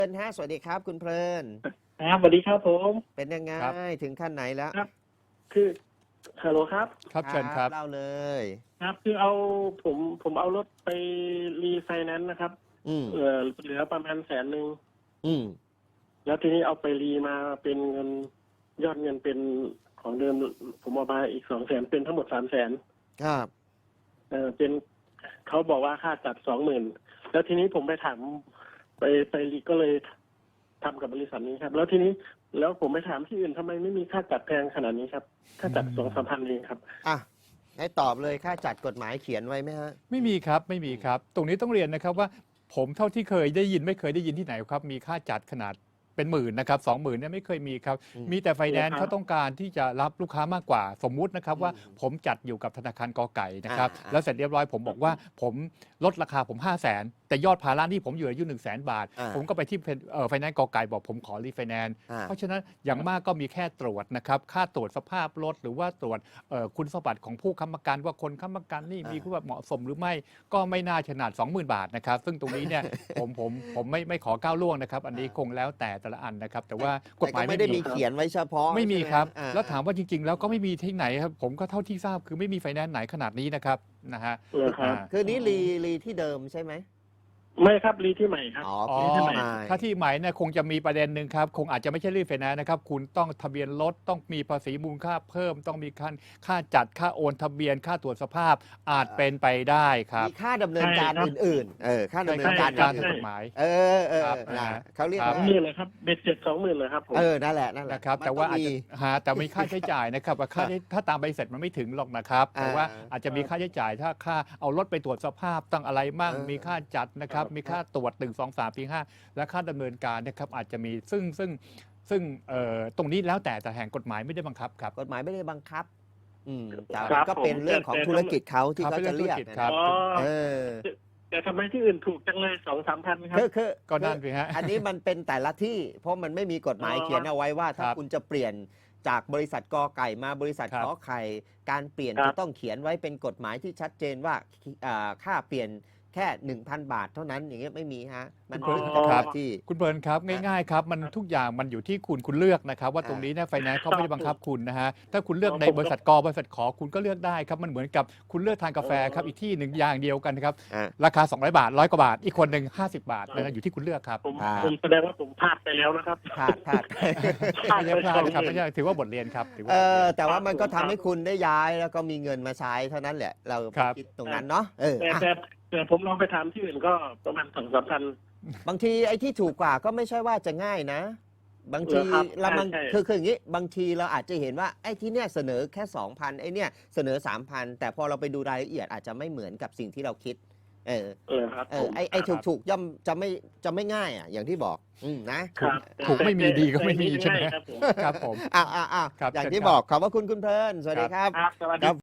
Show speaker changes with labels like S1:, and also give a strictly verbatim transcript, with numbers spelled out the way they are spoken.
S1: เพลินฮะสวัสดีครับคุณเพลิน
S2: ครับสวัสดีครับผม
S1: เป็นยังไง
S3: ครับ
S1: ถึงขั้นไหนแล้ว
S2: ครับ คือฮัลโหลครับ
S3: ครับเชิญครับ
S1: เล่าเลย
S2: ครับ คือเอาผมผมเอารถไปรีไฟแนนซ์นะครับ
S1: อืม
S2: เออเหลือประมาณแสนหนึ่ง
S1: อืม
S2: แล้วทีนี้เอาไปรีมาเป็นเงินยอดเงินเป็นของเดิม ผมเอามาอีกสองแสนเป็นทั้งหมดสามแสน
S1: ครับ
S2: เออเป็นเขาบอกว่าค่าจัดสองหมื่นแล้วทีนี้ผมไปถามไปไปรีก็เลยทำกับบริษัทนี้ครับ แล้วทีนี้แล้วผมไปถามที่อื่นทำไมไม่มีค่าจัดแพงขนาดนี้ครับค่าจัดสองสามพันเองครับ
S1: อ่ะให้ตอบเลยค่าจัดกฎหมายเขียนไว้ไหมฮะ
S3: ไม่มีครับไม่มีครับ ตรงนี้ต้องเรียนนะครับว่าผมเท่าที่เคยได้ยินไม่เคยได้ยินที่ไหนครับมีค่าจัดขนาดเป็นหมื่นนะครับสองหมื่นเนี่ยไม่เคยมีครับมีแต่ไฟแนนซ์เขาต้องการที่จะรับลูกค้ามากกว่าสมมุตินะครับว่าผมจัดอยู่กับธนาคารกอไก่นะครับแล้วเสร็จเรียบร้อยผมบอกว่าผมลดราคาผมห้าแสนแต่ยอดภาระที่ผมอยู่อายุหนึ่งแสนบาทผมก็ไปที่ไฟแนนซ์กอไก่บอกผมขอรีไฟแนนซ์เพราะฉะนั้นอย่างมากก็มีแค่ตรวจนะครับค่าตรวจสภาพรถหรือว่าตรวจคุณสมบัติของผู้ค้ำประกันว่าคนค้ำประกันนี่มีคุณสมบัติเหมาะสมหรือไม่ก็ไม่น่าขนาด สองหมื่น บาทนะครับซึ่งตรงนี้เนี่ยผมผมผมไม่ไม่ขอก้าวล่วงนะครับอันนี้คงแล้วแต่แต่ละอันนะครับแต่ว่ากฎหมาย
S1: ไม่ได้มีเขียนไว้เฉพาะ
S3: ไม่มีครับ
S1: อ่า
S3: แล้วถามว่าจริงๆแล้วก็ไม่มีที่ไหนครับผมก็เท่าที่ทราบคือไม่มีไฟแนนซ์ไหนขนาดนี้นะครับนะฮะ
S2: เหรอครับ
S1: คือนี้รีรีที่เดิมใช่ไหม
S2: ไม่ครับรีที่ใหม่ครับ
S1: อ๋อ
S3: อ๋อ
S1: รีที่ใหม่
S3: ถ้าที่ใหม่เนี่ยคงจะมีประเด็นหนึ่งครับคงอาจจะไม่ใช่รีไฟแนนซ์นะครับคุณต้องทะเบียนรถต้องมีภาษีมูลค่าเพิ่มต้องมีค่าค่าจัดค่าโอนทะเบียนค่าตรวจสภาพอาจเป็นไปได้ครับ
S1: มีค่าดำเนินการอื่นๆเออค่าดำเนินการ
S3: การถูกกฎหมาย
S1: เออเออ
S3: ครับ
S1: นะ
S3: นะฮะ
S1: เขาเรียก
S2: สอง
S1: ว่า
S2: หมื่นเลยครับเบ็ดเสร็จสองหมื่นเลยครับผม
S1: เออนั่นแหละนั่นแหละ
S3: นะครับ
S1: มัน
S3: แต่ว่า
S1: ต้อง
S3: อาจ
S1: มี
S3: จะหาแต่มีค่าใช้จ่ายนะครับว่าค่าใช้ถ้าตามใบเสร็จมันไม่ถึงหรอกนะครับแต่ว่า
S1: อ่า
S3: อาจจะมีค่าใช้จ่ายถ้าค่าเอารถไปตรวจสภาพต้องอะไรมั่ง
S1: เออ
S3: มีค่าจัดนะครับ
S2: ครับ
S3: มีค่าตรวจหนึ่งสองสามสี่ห้าและค่าดำเนินการนะครับอาจจะมีซึ่งซึ่งซึ่งเอ่อตรงนี้แล้วแต่แต่แห่งกฎหมายไม่ได้บังคับครับ
S1: กฎหมายไม่ได้บังคับ อืมแต่
S2: ครับ
S1: ก็เป็น
S2: ผม
S1: เรื่องของ
S2: แต่
S1: ธุรกิจเขาที่
S3: ครับ
S1: เขาจะเรียก
S3: เป็นเรื่องธุรกิจครับ
S2: อ๋อ
S1: เออ
S2: แต่ทำไมที่อื่นถูกจังเลยสองสามพันครับ
S1: คือคือ
S3: ก็นั่นสิฮะ
S1: อันนี้มันเป็นแต่ละที่ เพราะมันไม่มีกฎหมาย
S2: อ๋อ
S1: เขียนเอาไว้ว่า ถ้า
S3: ครับ
S1: คุณจะเปลี่ยนจากบริษัทกอไก่มาบริษัท
S3: ครับ
S1: ขอไข่การเปลี่ยน
S2: ครับ
S1: จะต้องเขียนไว้เป็นกฎหมายที่ชัดเจนว่าอ่าค่าเปลี่ยนแค่ หนึ่งพัน บาทเท่านั้นอย่างเงี้ยไม่มีฮะมัน
S3: อ๋อ
S1: ขึ้นกับ
S3: ครับ
S1: ที่
S3: คุณเบิร์นครับง่ายๆครับมันทุกอย่างมันอยู่ที่คุณคุณเลือกนะครับว่า
S1: อ่า
S3: ตรงนี้เนี่ยไฟแนนซ์เขาไม่ได้บังคับคุณนะฮะถ้าคุณเลือก
S2: อ๋อ
S3: ใน
S2: ผม
S3: บริษัทกบริษัทขอคุณก็เลือกได้ครับมันเหมือนกับคุณเลือกทานกาแฟครับ
S2: อ๋ออี
S3: อีกที่หนึ่งอย่างเดียวกันครับ
S1: อ่า
S3: ราคาสองร้อยบาทร้อยกว่าบาทอีกคนหนึ่งห้าสิบบาทนะฮะอยู่ที่คุณเลือกครับ
S2: ผม
S1: อ่า
S2: ผมแสดงว่าผมพลาดไปแล้วนะครับ
S1: พลาดพลาด
S2: พลาด
S3: ไม่
S2: ไป
S3: ใช่พลา
S2: ส
S3: ด
S2: อง
S3: นะครับ
S2: หมื่
S3: ไม่
S2: น
S3: ใช่ถือว่าบทเรียนครับถือว่า
S1: เอบ
S3: ทเรียน
S1: อแต่ว่ามันก็
S2: ครั
S1: ทำ
S2: บ
S1: ให้คุณได้ย้ายแล้วก็มีเงินมาใช้เท่านั้นแหละ เรา
S3: ครับ
S1: คิดตรงนั้นเนาะเออ
S2: แต่
S1: อ่ะ
S2: แต่แต่ผมลองไปถามที่อื่นก็ประมาณสองสามพัน
S1: บางทีไอ้ที่ถูกกว่าก็ไม่ใช่ว่าจะง่ายนะ บางที
S2: เหรอครับ
S1: เรามัน
S2: ใช่ใช่
S1: คือคืออย่างนี้บางทีเราอาจจะเห็นว่าไอ้ที่เนี่ยเสนอแค่ สองพัน ไอ้เนี่ยเสนอ สามพัน แต่พอเราไปดูรายละเอียดอาจจะไม่เหมือนกับสิ่งที่เราคิด เออ
S2: เออครับ
S1: เออไอ้ไอ้ถูกถูกย่อมจะไม่จะไม่ง่ายอ่ะอย่างที่บอก อืมนะครับ
S3: ถูกไม่มีดีก็ไม่มีใช่ไหม
S2: ครับผม
S3: ครับผม
S1: อ้าวอ้าวอ้าว
S3: ครับ
S1: อย่าง
S3: เชิญ
S1: ที่
S3: ครับ
S1: บอกขอบพระคุณคุณเพลินสวัสดีครับ
S2: ครับสวัสดี
S1: ครับ